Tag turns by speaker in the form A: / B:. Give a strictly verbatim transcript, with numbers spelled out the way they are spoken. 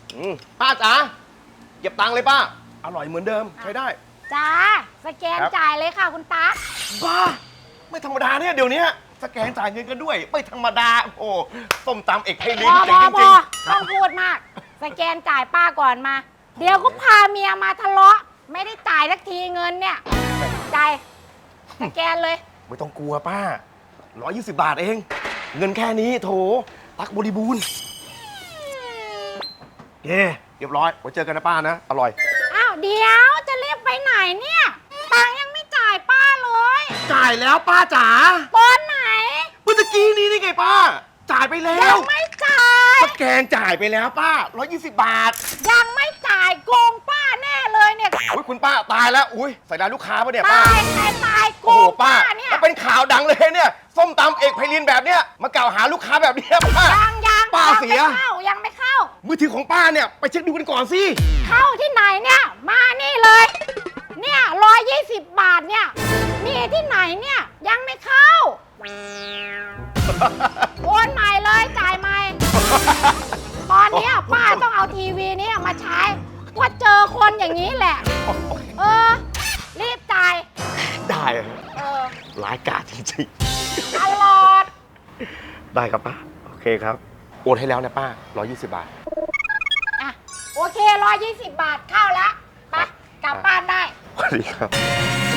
A: อืมป้าจ๋าเก็บตังค์เลยป้าอร่อยเหมือนเดิมใช้ได้
B: จ้าสแกนจ่ายเลยค่ะคุณตา
A: บ้าไม่ธรรมดาเนี่ยเดี๋ยวนี้สแกนจ่ายเงินกันด้วยไม่ธรรมดาโอ้ส้มตำเอกไพลินจริงจริง
B: ต้องพูดมากสแกนจ่ายป้าก่อนมาเดี๋ยวก็พาเมียมาทะเลาะไม่ได้จ่ายสักทีเงินเนี่ยจ่ายสแกนเลย
A: ไม่ต้องกลัวป้าร้อยยี่สิบบาทเองเงินแค่นี้โถตักบริบูรณ์เย้เรียบร้อยไว้เจอกันนะป้านะอร่อย
B: อ้าวเดี๋ยวจะรีบไปไหนเนี่ยตังยังไม่จ่ายป้าเลย
A: จ่ายแล้วป้าจ๋า
B: ตอนไหน
A: เมื่อกี้นี้นี่ไงป้าจ่ายไปแล้ว
B: ยังไม่จ่าย
A: สแกนจ่ายไปแล้วป้าร้อยยี่สิบบาท
B: ยังไม่จ่ายโกงป้าแน่เลยเนี่ย
A: อุ้ยคุณป้าตายแล้วอุ้ยใส่ร้ายลูกค้าปะเนี่ยป้า
B: ตายใครตายโกงป้าเนี่ย
A: แล้วเป็นข่าวดังเลยเนี่ยส้มตำเอกไพลินแบบเนี้ยมากล่าวหาลูกค้าแบบนี้ป้า
B: ยังยัง
A: ป้าเสีย
B: ยังไม่เข้า
A: มือถือของป้าเนี่ยไปเช็คดูกันก่อนสิ
B: เข้าที่ไหนเนี่ยมานี่เลยเนี่ยร้อยยี่สิบบาทเนี่ยมีที่ไหนเนี่ยยังไม่เข้าโอนใหม่เลยจ่ายใหม่ตอนนี้ป้าต้องเอาทีวีนี้มาใช้ก็เจอคนอย่างนี้แหละเออรีบจ่าย
A: ได้
B: เออ
A: ร้ายกาจจริง
B: ๆตลอด
A: ได้ครับป้าโอเคครับโอนให้แล้วนะป้าร้อยยี่สิบบาท
B: อ่ะโอเคร้อยยี่สิบบาทเข้าแล้วไปกลับบ้านได้
A: สวัสดีครับ